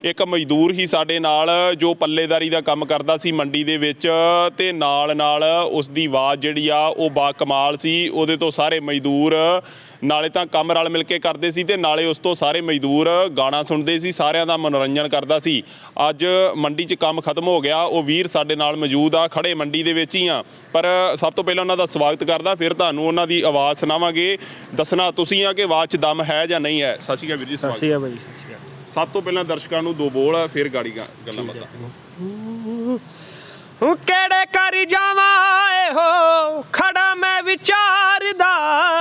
ਇੱਕ ਮਜ਼ਦੂਰ ਹੀ ਸਾਡੇ ਨਾਲ ਜੋ ਪੱਲੇਦਾਰੀ ਦਾ ਕੰਮ ਕਰਦਾ ਸੀ ਮੰਡੀ ਦੇ ਵਿੱਚ ਤੇ ਨਾਲ ਉਸ ਦੀ ਆਵਾਜ਼ ਜਿਹੜੀ ਆ ਉਹ ਬਾ ਕਮਾਲ ਸੀ। ਉਹਦੇ ਤੋਂ ਸਾਰੇ ਮਜ਼ਦੂਰ ਨਾਲੇ ਤਾਂ ਕੰਮ ਰਲ ਮਿਲ ਕੇ ਕਰਦੇ ਸੀ ਤੇ ਨਾਲੇ ਉਸ ਤੋਂ ਸਾਰੇ ਮਜ਼ਦੂਰ ਗਾਣਾ ਸੁਣਦੇ ਸੀ, ਸਾਰਿਆਂ ਦਾ ਮਨੋਰੰਜਨ ਕਰਦਾ ਸੀ। ਅੱਜ ਮੰਡੀ 'ਚ ਕੰਮ ਖਤਮ ਹੋ ਗਿਆ, ਉਹ ਵੀਰ ਸਾਡੇ ਨਾਲ ਮੌਜੂਦ ਆ, ਖੜੇ ਮੰਡੀ ਦੇ ਵਿੱਚ ਹੀ ਆ। ਪਰ ਸਭ ਤੋਂ ਪਹਿਲਾਂ ਉਹਨਾਂ ਦਾ ਸਵਾਗਤ ਕਰਦਾ, ਫਿਰ ਤੁਹਾਨੂੰ ਉਹਨਾਂ ਦੀ ਆਵਾਜ਼ ਸੁਣਾਵਾਂਗੇ। ਦੱਸਣਾ ਤੁਸੀਂ ਆ ਕਿ ਆਵਾਜ਼ 'ਚ ਦਮ ਹੈ ਜਾਂ ਨਹੀਂ ਹੈ। ਸਤਿ ਸ਼੍ਰੀ ਅਕਾਲ ਵੀਰ ਜੀ। ਸਤਿ ਸ਼੍ਰੀ ਅਕਾਲ ਭਾਈ। ਸਤਿ ਸ਼੍ਰੀ ਅਕਾਲ। ਸਭ ਤੋਂ ਪਹਿਲਾਂ ਦਰਸ਼ਕਾਂ ਨੂੰ ਦੋ ਬੋਲ, ਫਿਰ ਗਾੜੀ ਗੱਲਾਂ ਬਾਤਾਂ। ਕਿਹੜੇ ਕਰ ਜਾਵਾਂ ਇਹੋ ਖੜਾ ਮੈਂ ਵਿਚਾਰਦਾ,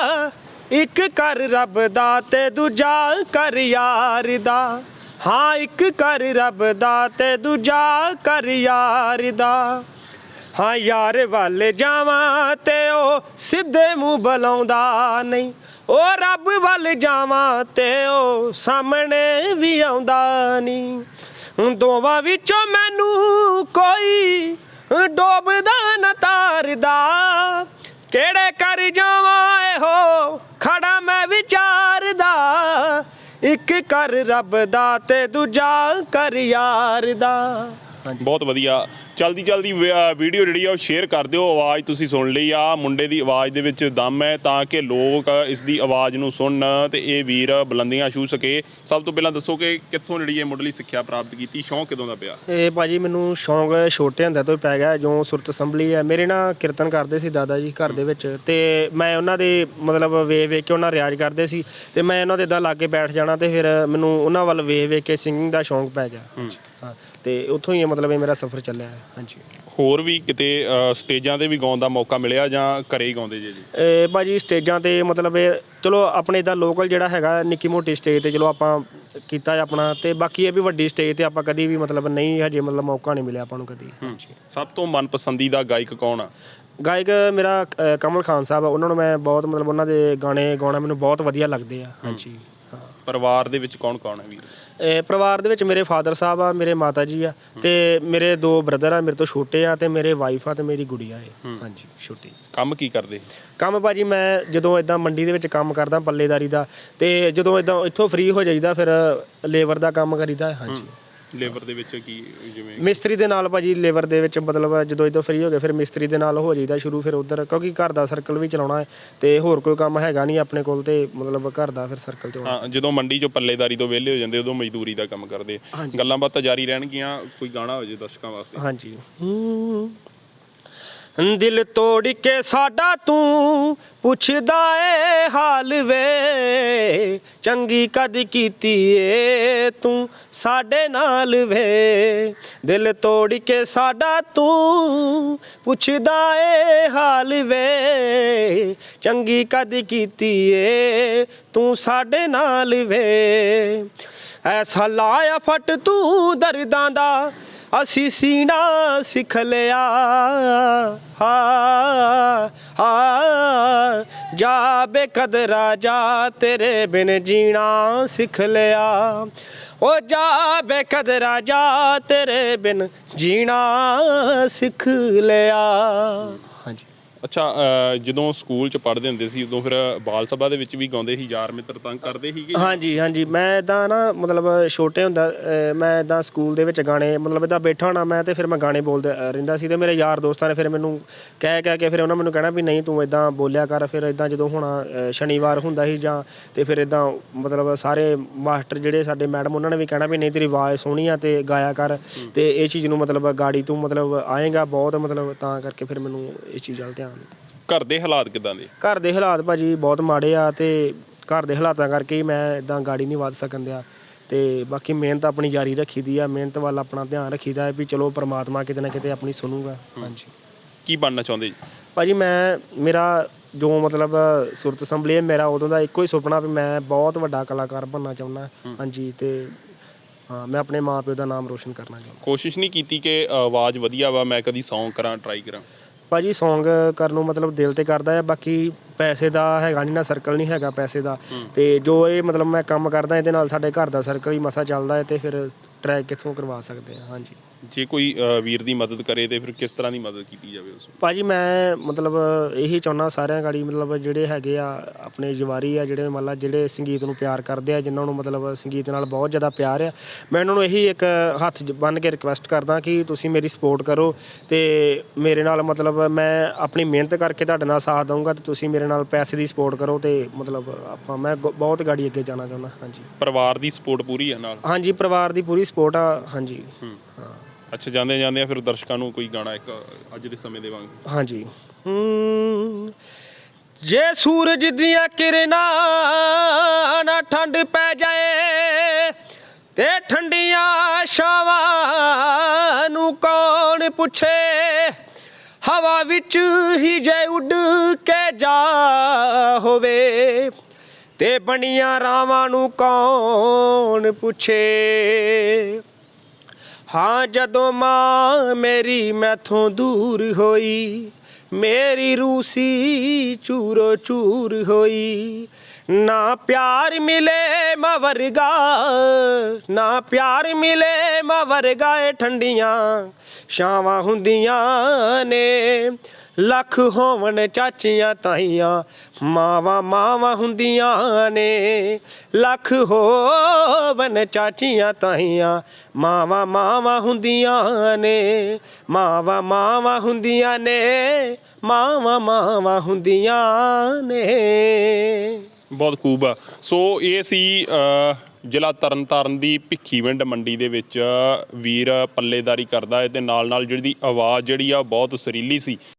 ਇੱਕ ਕਰ ਰੱਬ ਦਾ ਤੇ ਦੂਜਾ ਕਰ ਯਾਰ ਦਾ। ਹਾਂ, ਇੱਕ ਕਰ ਰੱਬ ਦਾ ਤੇ ਦੂਜਾ ਕਰ ਯਾਰ ਦਾ। ਹਾਂ, ਯਾਰ ਵੱਲ ਜਾਵਾਂ ਤੇ ਉਹ ਸਿੱਧੇ ਮੂੰਹ ਬੁਲਾਉਂਦਾ ਨਹੀਂ, ਉਹ ਰੱਬ ਵੱਲ ਜਾਵਾਂ ਤੇ ਉਹ ਸਾਹਮਣੇ ਵੀ ਆਉਂਦਾ ਨਹੀਂ। ਦੋਵਾਂ ਵਿੱਚੋਂ ਮੈਨੂੰ ਕੋਈ ਡੋਬਦਾ ਨਾ ਤਾਰਦਾ, ਕਿਹੜੇ ਕਰ ਜਾਵਾਂ ਇਹੋ ਖੜਾ ਮੈਂ ਵਿਚਾਰਦਾ, ਇੱਕ ਕਰ ਰੱਬ ਦਾ ਤੇ ਦੂਜਾ ਕਰ ਯਾਰ ਦਾ। ਬਹੁਤ ਵਧੀਆ। ਚਲਦੀ ਵੀਡੀਓ ਜਿਹੜੀ ਆ ਉਹ ਸ਼ੇਅਰ ਕਰ ਦਿਓ। ਆਵਾਜ਼ ਤੁਸੀਂ ਸੁਣ ਲਈ ਆ, ਮੁੰਡੇ ਦੀ ਆਵਾਜ਼ ਦੇ ਵਿੱਚ ਦਮ ਹੈ, ਤਾਂ ਕਿ ਲੋਕ ਇਸ ਦੀ ਆਵਾਜ਼ ਨੂੰ ਸੁਣਨ ਤੇ ਇਹ ਵੀਰ ਬੁਲੰਦੀਆਂ ਛੂਹ ਸਕੇ। ਸਭ ਤੋਂ ਪਹਿਲਾਂ ਦੱਸੋ ਕਿ ਕਿੱਥੋਂ ਜਿਹੜੀ ਇਹ ਮੁੱਢਲੀ ਸਿੱਖਿਆ ਪ੍ਰਾਪਤ ਕੀਤੀ, ਸ਼ੌਂਕ ਕਦੋਂ ਦਾ ਪਿਆ? ਇਹ ਭਾਜੀ ਮੈਨੂੰ ਸ਼ੌਂਕ ਛੋਟੇ ਹੁੰਦੇ ਤੋਂ ਪੈ ਗਿਆ। ਜੋ ਸੁਰਤ ਅਸੈਂਬਲੀ ਹੈ, ਮੇਰੇ ਨਾਲ ਕੀਰਤਨ ਕਰਦੇ ਸੀ ਦਾਦਾ ਜੀ ਘਰ ਦੇ ਵਿੱਚ, ਤੇ ਮੈਂ ਉਹਨਾਂ ਦੇ ਮਤਲਬ ਵੇਖ ਕੇ ਉਹਨਾਂ ਰਿਆਜ਼ ਕਰਦੇ ਸੀ ਤੇ ਮੈਂ ਉਹਨਾਂ ਦੇ ਇੱਦਾਂ ਲਾਗੇ ਬੈਠ ਜਾਣਾ ਤੇ ਫਿਰ ਮੈਨੂੰ ਉਹਨਾਂ ਵੱਲ ਵੇਖ ਕੇ ਸਿੰਗਿੰਗ ਦਾ ਸ਼ੌਂਕ ਪੈ ਗਿਆ। ਹਾਂ, ਤੇ ਉੱਥੋਂ ਹੀ ਮਤਲਬ ਇਹ ਮੇਰਾ ਸਫ਼ਰ ਚੱਲਿਆ ਹੈ। ਹਾਂਜੀ। ਹੋਰ ਵੀ ਕਿਤੇ ਸਟੇਜਾਂ 'ਤੇ ਵੀ ਗਾਉਣ ਦਾ ਮੌਕਾ ਮਿਲਿਆ ਜਾਂ ਘਰੇ ਹੀ ਗਾਉਂਦੇ ਜੇ ਜੀ? ਭਾਜੀ ਸਟੇਜਾਂ 'ਤੇ ਮਤਲਬ ਇਹ ਚਲੋ ਆਪਣੇ ਇੱਦਾਂ ਲੋਕਲ ਜਿਹੜਾ ਹੈਗਾ ਨਿੱਕੀ ਮੋਟੀ ਸਟੇਜ 'ਤੇ ਚਲੋ ਆਪਾਂ ਕੀਤਾ ਆਪਣਾ, ਤੇ ਬਾਕੀ ਇਹ ਵੀ ਵੱਡੀ ਸਟੇਜ 'ਤੇ ਆਪਾਂ ਕਦੀ ਵੀ ਮਤਲਬ ਨਹੀਂ ਹਜੇ ਮਤਲਬ ਮੌਕਾ ਨਹੀਂ ਮਿਲਿਆ ਆਪਾਂ ਨੂੰ ਕਦੀ। ਸਭ ਤੋਂ ਮਨਪਸੰਦੀਦਾ ਗਾਇਕ ਕੌਣ ਆ? ਗਾਇਕ ਮੇਰਾ ਕਮਲ ਖਾਨ ਸਾਹਿਬ ਆ, ਉਹਨਾਂ ਨੂੰ ਮੈਂ ਬਹੁਤ ਮਤਲਬ ਉਹਨਾਂ ਦੇ ਗਾਣੇ ਗਾਉਣਾ ਮੈਨੂੰ ਬਹੁਤ ਵਧੀਆ ਲੱਗਦੇ ਆ। ਹਾਂਜੀ। ਪਰਿਵਾਰ ਦੇ ਵਿੱਚ ਕੌਣ ਕੌਣ ਹੈ ਵੀਰ? ਪਰਿਵਾਰ ਦੇ ਵਿੱਚ ਮੇਰੇ ਫਾਦਰ ਸਾਹਿਬ ਆ, ਮੇਰੇ ਮਾਤਾ ਜੀ ਆ, ਤੇ ਮੇਰੇ ਦੋ ਬ੍ਰਦਰ ਆ ਮੇਰੇ ਤੋਂ ਛੋਟੇ ਆ, ਤੇ ਮੇਰੇ ਵਾਈਫ ਆ ਤੇ ਮੇਰੀ ਗੁੜੀਆ ਹੈ। ਹਾਂਜੀ, ਛੋਟੀ। ਕੰਮ ਕੀ ਕਰਦੇ? ਕੰਮ ਭਾਜੀ ਮੈਂ ਜਦੋਂ ਇੱਦਾਂ ਮੰਡੀ ਦੇ ਵਿੱਚ ਕੰਮ ਕਰਦਾ ਪੱਲੇਦਾਰੀ ਦਾ, ਤੇ ਜਦੋਂ ਇੱਦਾਂ ਇੱਥੋਂ ਫ੍ਰੀ ਹੋ ਜਾਈਦਾ ਫਿਰ ਲੇਬਰ ਦਾ ਕੰਮ ਕਰੀਦਾ। ਹਾਂਜੀ। ਲੇਬਰ ਦੇ ਵਿੱਚ ਕੀ, ਜਿਵੇਂ ਮਿਸਤਰੀ ਦੇ ਨਾਲ ਭਾਜੀ, ਲੇਬਰ ਦੇ ਵਿੱਚ ਮਤਲਬ ਜਦੋਂ ਇੱਦਾਂ ਫ੍ਰੀ ਹੋ ਗਏ ਫਿਰ ਮਿਸਤਰੀ ਦੇ ਨਾਲ ਹੋ ਜਾਈਦਾ ਸ਼ੁਰੂ। ਫਿਰ ਉੱਧਰ ਕਿਉਂਕਿ ਘਰ ਦਾ ਸਰਕਲ ਵੀ ਚਲਾਉਣਾ ਹੈ ਤੇ ਹੋਰ ਕੋਈ ਕੰਮ ਹੈਗਾ ਨਹੀਂ ਆਪਣੇ ਕੋਲ, ਤੇ ਮਤਲਬ ਘਰ ਦਾ ਫਿਰ ਸਰਕਲ ਚਲਾਉਣਾ। ਹਾਂ, ਜਦੋਂ ਮੰਡੀ 'ਚੋਂ ਪੱਲੇਦਾਰੀ ਤੋਂ ਵਿਹਲੇ ਹੋ ਜਾਂਦੇ ਉਦੋਂ ਮਜ਼ਦੂਰੀ ਦਾ ਕੰਮ ਕਰਦੇ। ਗੱਲਾਂ ਬਾਤਾਂ ਜਾਰੀ ਰਹਿਣਗੀਆਂ। ਕੋਈ ਗਾਣਾ ਹੋ ਜੇ ਦਰਸ਼ਕਾਂ ਵਾਸਤੇ। ਹਾਂਜੀ। ਦਿਲ ਤੋੜ ਕੇ ਸਾਡਾ ਤੂੰ ਪੁੱਛਦਾ ਏ ਹਾਲ ਵੇ, ਚੰਗੀ ਕਦ ਕੀਤੀ ਏ ਤੂੰ ਸਾਡੇ ਨਾਲ ਵੇ। ਦਿਲ ਤੋੜ ਕੇ ਸਾਡਾ ਤੂੰ ਪੁੱਛਦਾ ਏ ਹਾਲ ਵੇ, ਚੰਗੀ ਕਦ ਕੀਤੀ ਏ ਤੂੰ ਸਾਡੇ ਨਾਲ ਵੇ। ਐਸਾ ਲਾਇਆ ਫਟ ਤੂੰ ਦਰਦਾਂ ਦਾ ਅਸੀਂ ਸੀਨਾ ਸਿੱਖ ਲਿਆ। ਜਾ ਬੇਕਦਰਾ ਜਾ ਤੇਰੇ ਬਿਨ ਜੀਣਾ ਸਿੱਖ ਲਿਆ। ਓ ਜਾ ਬੇਕਦਰਾ ਜਾ ਤੇਰੇ ਬਿਨ ਜੀਣਾ ਸਿੱਖ ਲਿਆ। ਹਾਂਜੀ। ਅੱਛਾ, ਜਦੋਂ ਸਕੂਲ 'ਚ ਪੜ੍ਹਦੇ ਹੁੰਦੇ ਸੀ ਉਦੋਂ ਫਿਰ ਬਾਲ ਸਭਾ ਦੇ ਵਿੱਚ ਵੀ ਗਾਉਂਦੇ ਸੀ, ਯਾਰ ਮਿੱਤਰ ਤੰਗ ਕਰਦੇ ਸੀਗੇ? ਹਾਂਜੀ ਹਾਂਜੀ। ਮੈਂ ਇੱਦਾਂ ਨਾ ਮਤਲਬ ਛੋਟੇ ਹੁੰਦਾ ਮੈਂ ਇੱਦਾਂ ਸਕੂਲ ਦੇ ਵਿੱਚ ਗਾਣੇ ਮਤਲਬ ਇੱਦਾਂ ਬੈਠਾ ਹੋਣਾ ਮੈਂ, ਤੇ ਫਿਰ ਮੈਂ ਗਾਣੇ ਬੋਲਦਾ ਰਹਿੰਦਾ ਸੀ, ਤੇ ਮੇਰੇ ਯਾਰ ਦੋਸਤਾਂ ਨੇ ਫਿਰ ਮੈਨੂੰ ਕਹਿ ਕੇ ਫਿਰ ਉਹਨਾਂ ਮੈਨੂੰ ਕਹਿਣਾ ਵੀ ਨਹੀਂ ਤੂੰ ਇੱਦਾਂ ਬੋਲਿਆ ਕਰ। ਫਿਰ ਇੱਦਾਂ ਜਦੋਂ ਹੋਣਾ ਸ਼ਨੀਵਾਰ ਹੁੰਦਾ ਸੀ ਜਾਂ, ਤੇ ਫਿਰ ਇੱਦਾਂ ਮਤਲਬ ਸਾਰੇ ਮਾਸਟਰ ਜਿਹੜੇ ਸਾਡੇ ਮੈਡਮ ਉਹਨਾਂ ਨੇ ਵੀ ਕਹਿਣਾ ਵੀ ਨਹੀਂ ਤੇਰੀ ਆਵਾਜ਼ ਸੋਹਣੀ ਆ ਤੇ ਗਾਇਆ ਕਰ, ਤੇ ਇਹ ਚੀਜ਼ ਨੂੰ ਮਤਲਬ ਗਾੜੀ ਤੂੰ ਮਤਲਬ ਆਏਗਾ ਬਹੁਤ, ਮਤਲਬ ਤਾਂ ਕਰਕੇ ਫਿਰ ਮੈਨੂੰ ਇਸ ਚੀਜ਼ ਵੱਲ ਧਿਆਨ। ਘਰ ਦੇ ਹਾਲਾਤ ਕਿੱਦਾਂ ਦੇ? ਘਰ ਦੇ ਹਾਲਾਤ ਭਾਜੀ ਬਹੁਤ ਮਾੜੇ ਆ, ਤੇ ਘਰ ਦੇ ਹਾਲਾਤਾਂ ਕਰਕੇ ਹੀ ਮੈਂ ਇੱਦਾਂ ਗਾੜੀ ਨਹੀਂ ਵੱਧ ਸਕਣ ਦਿਆ। ਤੇ ਬਾਕੀ ਮਿਹਨਤ ਆਪਣੀ ਜਾਰੀ ਰੱਖੀ ਦੀ ਆ, ਮਿਹਨਤ ਵੱਲ ਆਪਣਾ ਧਿਆਨ ਰੱਖੀਦਾ ਹੈ ਵੀ ਚਲੋ ਪਰਮਾਤਮਾ ਕਿਤੇ ਨਾ ਕਿਤੇ ਆਪਣੀ ਸੁਣੂਗਾ। ਹਾਂਜੀ। ਕੀ ਬਣਨਾ ਚਾਹੁੰਦੇ ਜੀ ਭਾਜੀ? ਮੇਰਾ ਜੋ ਮਤਲਬ ਸੁਰਤ ਅਸੈਂਬਲੀ ਹੈ, ਮੇਰਾ ਉਦੋਂ ਦਾ ਇੱਕੋ ਹੀ ਸੁਪਨਾ ਵੀ ਮੈਂ ਬਹੁਤ ਵੱਡਾ ਕਲਾਕਾਰ ਬਣਨਾ ਚਾਹੁੰਦਾ। ਹਾਂਜੀ। ਤੇ ਹਾਂ, ਮੈਂ ਆਪਣੇ ਮਾਂ ਪਿਓ ਦਾ ਨਾਮ ਰੋਸ਼ਨ ਕਰਨਾ ਚਾਹੁੰਦਾ। ਕੋਸ਼ਿਸ਼ ਨਹੀਂ ਕੀਤੀ ਕਿ ਆਵਾਜ਼ ਵਧੀਆ ਵਾ, ਮੈਂ ਕਦੀ ਸੌਂਗ ਕਰਾਂ, ਟਰਾਈ ਕਰਾਂ? ਭਾਜੀ ਸੌਂਗ ਕਰਨ ਨੂੰ ਮਤਲਬ ਦਿਲ 'ਤੇ ਕਰਦਾ ਹੈ, ਬਾਕੀ ਪੈਸੇ ਦਾ ਹੈਗਾ ਨਹੀਂ, ਨਾ ਸਰਕਲ ਨਹੀਂ ਹੈਗਾ ਪੈਸੇ ਦਾ। ਤੇ ਜੋ ਇਹ ਮਤਲਬ ਮੈਂ ਕੰਮ ਕਰਦਾ ਇਹਦੇ ਨਾਲ ਸਾਡੇ ਘਰ ਦਾ ਸਰਕਲ ਹੀ ਮਸਾ ਚੱਲਦਾ ਹੈ, ਤੇ ਫਿਰ ਟਰੈਕ ਕਿੱਥੋਂ ਕਰਵਾ ਸਕਦੇ ਹਾਂ। ਹਾਂਜੀ, ਜੇ ਕੋਈ ਵੀਰ ਦੀ ਮਦਦ ਕਰੇ ਤੇ ਫਿਰ ਕਿਸ ਤਰ੍ਹਾਂ ਦੀ ਮਦਦ ਕੀਤੀ ਜਾਵੇ ਉਸ ਨੂੰ? ਭਾਜੀ ਮੈਂ ਮਤਲਬ ਇਹੀ ਚਾਹੁੰਦਾ ਸਾਰਿਆਂ ਗਾੜੀ, ਮਤਲਬ ਜਿਹੜੇ ਹੈਗੇ ਆ ਆਪਣੇ ਜਵਾਰੀ ਆ, ਜਿਹੜੇ ਮਤਲਬ ਜਿਹੜੇ ਸੰਗੀਤ ਨੂੰ ਪਿਆਰ ਕਰਦੇ ਆ, ਜਿਨ੍ਹਾਂ ਨੂੰ ਮਤਲਬ ਸੰਗੀਤ ਨਾਲ ਬਹੁਤ ਜ਼ਿਆਦਾ ਪਿਆਰ ਆ, ਮੈਂ ਉਹਨਾਂ ਨੂੰ ਇਹੀ ਇੱਕ ਹੱਥ ਬੰਨ੍ਹ ਕੇ ਰਿਕੁਐਸਟ ਕਰਦਾ ਕਿ ਤੁਸੀਂ ਮੇਰੀ ਸਪੋਰਟ ਕਰੋ ਤੇ ਮੇਰੇ ਨਾਲ ਮਤਲਬ ਮੈਂ ਆਪਣੀ ਮਿਹਨਤ ਕਰਕੇ ਤੁਹਾਡੇ ਨਾਲ ਸਾਥ ਦਊਂਗਾ, ਤੇ ਤੁਸੀਂ ਮੇਰੇ ਨਾਲ ਪੈਸੇ ਦੀ ਸਪੋਰਟ ਕਰੋ, ਤੇ ਮਤਲਬ ਮੈਂ ਬਹੁਤ ਗਾੜੀ ਅੱਗੇ ਜਾਣਾ ਚਾਹੁੰਦਾ। ਹਾਂਜੀ, ਪਰਿਵਾਰ ਦੀ ਸਪੋਰਟ ਪੂਰੀ ਹੈ ਨਾਲ? ਹਾਂਜੀ, ਪਰਿਵਾਰ ਦੀ ਪੂਰੀ ਸਪੋਰਟ ਆ। ਹਾਂਜੀ ਹਾਂ। ਅੱਛਾ, ਜਾਂਦੇ ਆ ਫਿਰ ਦਰਸ਼ਕਾਂ ਨੂੰ ਕੋਈ ਗਾਣਾ ਇੱਕ ਅੱਜ ਦੇ ਸਮੇਂ ਦੇ ਵਾਂਗ? ਹਾਂਜੀ। ਜੇ ਸੂਰਜ ਦੀਆਂ ਕਿਰਨਾਂ ਨਾ ਠੰਡ ਪੈ ਜਾਏ ਤੇ ਠੰਡੀਆਂ ਛਾਵਾਂ ਨੂੰ ਕੌਣ ਪੁੱਛੇ, ਹਵਾ ਵਿੱਚ ਹੀ ਜੇ ਉੱਡ ਕੇ ਜਾ ਹੋਵੇ ਤੇ ਬਣੀਆਂ ਰਾਵਾਂ ਨੂੰ ਕੌਣ ਪੁੱਛੇ। ਹਾਂ, ਜਦੋਂ ਮਾਂ ਮੇਰੀ ਮੈਥੋਂ ਦੂਰ ਹੋਈ, ਮੇਰੀ ਰੂਹ ਸੀ ਚੂਰੋ ਚੂਰ ਹੋਈ, ਨਾ ਪਿਆਰ ਮਿਲੇ ਮਾਂ ਵਰਗਾ, ਨਾ ਪਿਆਰ ਮਿਲੇ ਮਾਂ ਵਰਗਾ, ਏ ਠੰਡੀਆਂ ਛਾਵਾਂ ਹੁੰਦੀਆਂ ਨੇ, ਲੱਖ ਹੋਵਣ ਚਾਚੀਆਂ ਤਾਈਆਂ, ਮਾਵਾਂ ਮਾਵਾਂ ਹੁੰਦੀਆਂ ਨੇ, ਲੱਖ ਹੋਵਣ ਚਾਚੀਆਂ ਤਾਈਆਂ, ਮਾਵਾਂ ਮਾਵਾਂ ਹੁੰਦੀਆਂ ਨੇ, ਮਾਵਾਂ ਮਾਵਾਂ ਹੁੰਦੀਆਂ ਨੇ, ਮਾਵਾਂ ਮਾਵਾਂ ਹੁੰਦੀਆਂ ਨੇ। ਬਹੁਤ ਖੂਬ ਆ। ਸੋ ਇਹ ਸੀ ਜ਼ਿਲ੍ਹਾ ਤਰਨਤਾਰਨ ਦੀ ਭਿੱਖੀਵਿੰਡ ਮੰਡੀ ਦੇ ਵਿੱਚ ਵੀਰ ਪੱਲੇਦਾਰੀ ਕਰਦਾ ਹੈ, ਤੇ ਨਾਲ ਜਿਹੜੀ ਆਵਾਜ਼ ਜਿਹੜੀ ਆ ਬਹੁਤ ਸੁਰੀਲੀ ਸੀ।